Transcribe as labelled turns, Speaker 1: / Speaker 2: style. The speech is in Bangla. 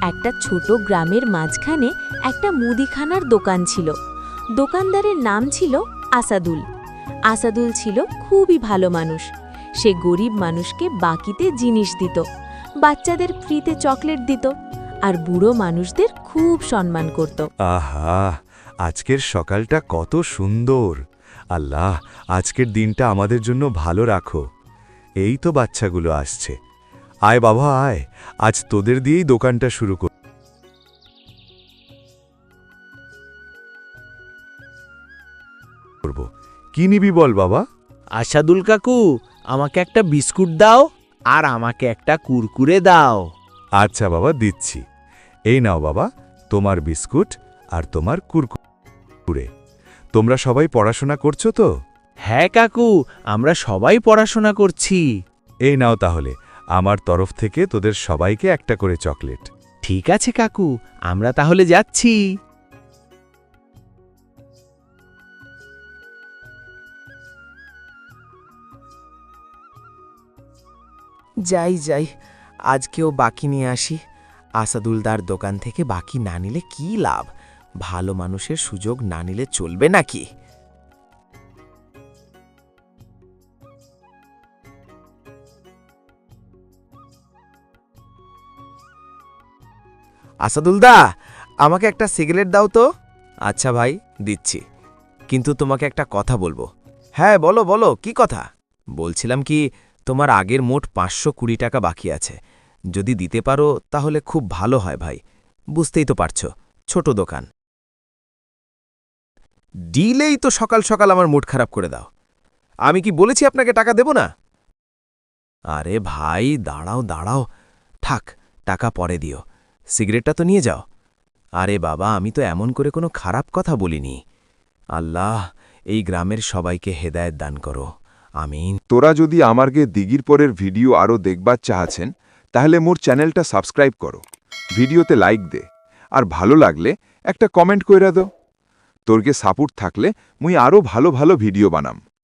Speaker 1: একটা ছোট গ্রামের মাঝখানে একটা মুদিখানার দোকান ছিল। দোকানদারের নাম ছিল আসাদুল। আসাদুল ছিল খুবই ভালো মানুষ। সে গরিব মানুষকে বাকিতে জিনিস দিত, বাচ্চাদের ফ্রিতে চকলেট দিত, আর বুড়ো মানুষদের খুব সম্মান করত।
Speaker 2: আহা, আজকের সকালটা কত সুন্দর। আল্লাহ, আজকের দিনটা আমাদের জন্য ভালো রাখো। এই তো বাচ্চাগুলো আসছে। আয় বাবা আয়, আজ তোদের দিয়েই দোকানটা শুরু করব। কি নিবি বল বাবা?
Speaker 3: আসাদুল কাকু, আমাকে একটা বিস্কুট দাও আর আমাকে একটা কুরকুরে দাও।
Speaker 2: আচ্ছা বাবা, দিচ্ছি। এই নাও বাবা, তোমার বিস্কুট আর তোমার কুরকুরে। তোমরা সবাই পড়াশোনা করছো তো?
Speaker 3: হ্যাঁ কাকু, আমরা সবাই পড়াশোনা করছি।
Speaker 2: এই নাও তাহলে, আমার তরফ থেকে তোদের সবাইকে একটা করে চকলেট।
Speaker 3: ঠিক আছে কাকু, আমরা তাহলে যাচ্ছি।
Speaker 4: যাই যাই, আজকেও বাকি নিয়ে আসি। আসাদুলদার দোকান থেকে বাকি না নিলে কি লাভ? ভালো মানুষের সুযোগ না নিলে চলবে নাকি? আসাদুলদা, আমাকে একটা সিগারেট দাও তো। আচ্ছা ভাই, দিচ্ছি। কিন্তু তোমাকে একটা কথা বলবো। হ্যাঁ বলো বলো, কি কথা? বলছিলাম কি, তোমার আগের মোট 520 টাকা বাকি আছে। যদি দিতে পারো তাহলে খুব ভালো হয় ভাই। বুঝতেই তো পারছো, ছোট দোকান। ডিলেই তো সকাল সকাল আমার মুড খারাপ করে দাও। আমি কি বলেছি আপনাকে টাকা দেব না? আরে ভাই দাঁড়াও দাঁড়াও, থাক, টাকা পরে দিও। সিগারেটটা তো নিয়ে যাও। আরে বাবা, আমি তো এমন করে কোনো খারাপ কথা বলিনি। আল্লাহ এই গ্রামের সবাইকে হেদায়েত দান করো, আমিন।
Speaker 5: তোরা যদি আমারগে দিগির পরের ভিডিও আরও দেখবার চাহাছেন, তাহলে মোর চ্যানেলটা সাবস্ক্রাইব করো, ভিডিওতে লাইক দে, আর ভালো লাগলে একটা কমেন্ট কইরা দাও। তোরগে সাপোর্ট থাকলে মুই আরও ভালো ভালো ভিডিও বানাম।